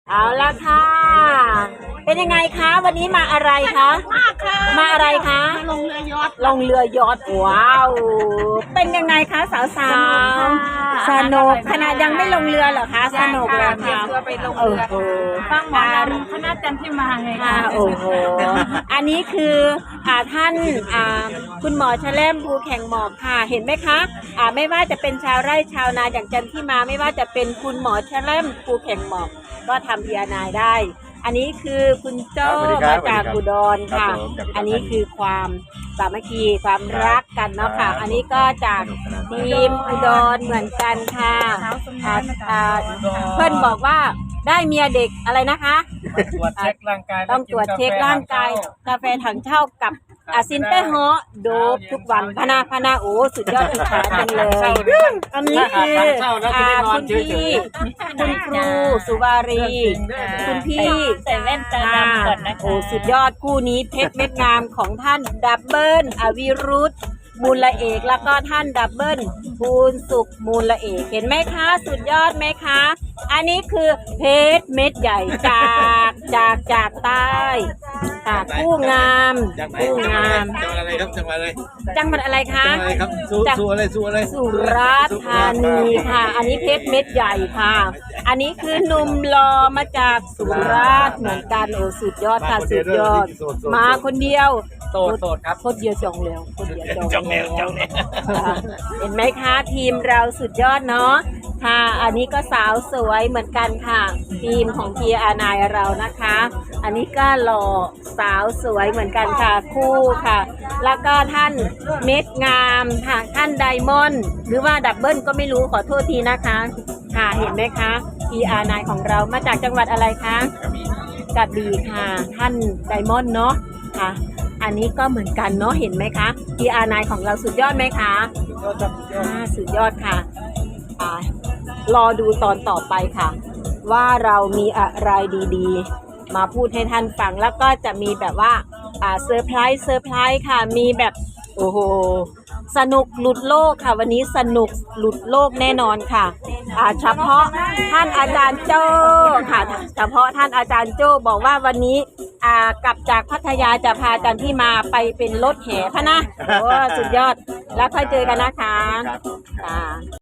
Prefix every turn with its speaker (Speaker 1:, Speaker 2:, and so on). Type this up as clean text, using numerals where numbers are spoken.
Speaker 1: เอาละค่ะ เป็นยังไงคะวันนี้มาอะไรคะ
Speaker 2: มากค่ะ
Speaker 1: มาอะไรคะ
Speaker 2: ลงเรือยอท
Speaker 1: ลงเรือยอทว้าว เป็นยังไงคะสาวๆสนุกขนาดยังไม่ลงเรือเหรอคะสนุกเลยค่ะ
Speaker 2: เรือไปลงเรือฟังหมอลำคณะจันทิมาไง
Speaker 1: ค่ะ
Speaker 2: คะ
Speaker 1: โอ้โหอันนี้คือท่านคุณหมอแชล่มภูแข่งหมอกค่ะเห็นไหมคะไม่ว่าจะเป็นชาวไร่ชาวนาอย่างจันทิมาไม่ว่าจะเป็นคุณหมอแชล่มภูแข่งหมอกก็ทำพีอาร์ไนได้ อันนี้คือคุณโจ้มาจากอุดรค่ะ อันนี้คือความสามัคคีความรักกันเนาะค่ะ อันนี้ก็จากทีมอุดรเหมือนกันค่ะเพื่อนบอกว่าได้เมียเด็กอะไรนะคะ
Speaker 3: ตรวจเช็คร่างกาย
Speaker 1: ต้องตรวจเช็คร่างกายกาแฟถังเช่ากับซินเต้ฮอโดบทุกวันพนาโอ้สุดยอดอิจฉาจังเลยอันนี้คือคุณพี่คุณครูสุวารีคุณพี่
Speaker 2: ใส่แว่นตาดำก่อนนะคะ
Speaker 1: โอ้สุดยอดคู่นี้เพชรเม็ดงามของท่านดับเบิลอวิรุธมูลละเอกแล้วก็ท่านดับเบิลบูญสุขมูลละเอกเห็นไหมคะสุดยอดไหมคะอันนี้คือเพชรเม็ดใหญ่จากใต้จากผู้งามผู้งาม
Speaker 3: จังหวัดอะไรครับจังหวัดอะไร
Speaker 1: จังหวัดอะไรคะ
Speaker 3: จังหวัดอะไรครับสู้อะไรสู้อะไร
Speaker 1: สุราษฎร์ธานีค่ะ อันนี้เพชรเม็ดใหญ่ค่ะ อันนี้คือหนุ่มหล่อมาจากสุราษฎร์เหมือนกันโอ้สุดยอดค่ะสุดยอดมาคนเดียว
Speaker 3: โสดครับ
Speaker 1: คนเดียวจองแล้วคนเดียวจ
Speaker 3: จ
Speaker 1: อ
Speaker 3: อง ง
Speaker 1: แล้
Speaker 3: แล้ว ว
Speaker 1: เห็นไหมคะทีมเราสุดยอดเนาะค่ะ อันนี้ก็สาวสวยเหมือนกันค่ะ ทีมของพีอาร์ไนเรานะคะ อันนี้ก็หล่อสาวสวยเหมือนกันค่ะคู่ค่ะ แล้วก็ท่านเม็ดงามค่ะท่านไดมอนด์หรือว่าดับเบิลก็ไม่รู้ขอโทษทีนะคะค่ะเห็นไหมคะพีอาร์ไนของเรามาจากจังหวัดอะไรคะกระบี่ค่ะท่านไดมอนด์เนาะค่ะ อันนี้ก็เหมือนกันเนาะเห็นไหมคะ PR9 ของเราสุดยอดไหมคะสุดยอดค่ะรอดูตอนต่อไปค่ะ ว่าเรามีอะไรดีๆ มาพูดให้ท่านฟังแล้วก็จะมีแบบว่าเซอร์ไพรส์ค่ะมีแบบโอ้โหสนุกหลุดโลกค่ะ วันนี้สนุกหลุดโลกแน่นอนค่ะเฉพาะท่านอาจารย์โจ้ค่ะเฉพาะท่านอาจารย์โจ้บอกว่าวันนี้กลับจากพัทยาจะพาจันที่มาไปเป็นรถแห่พะนะโอ้สุดยอดแล้วค่อยเจอกันนะคะ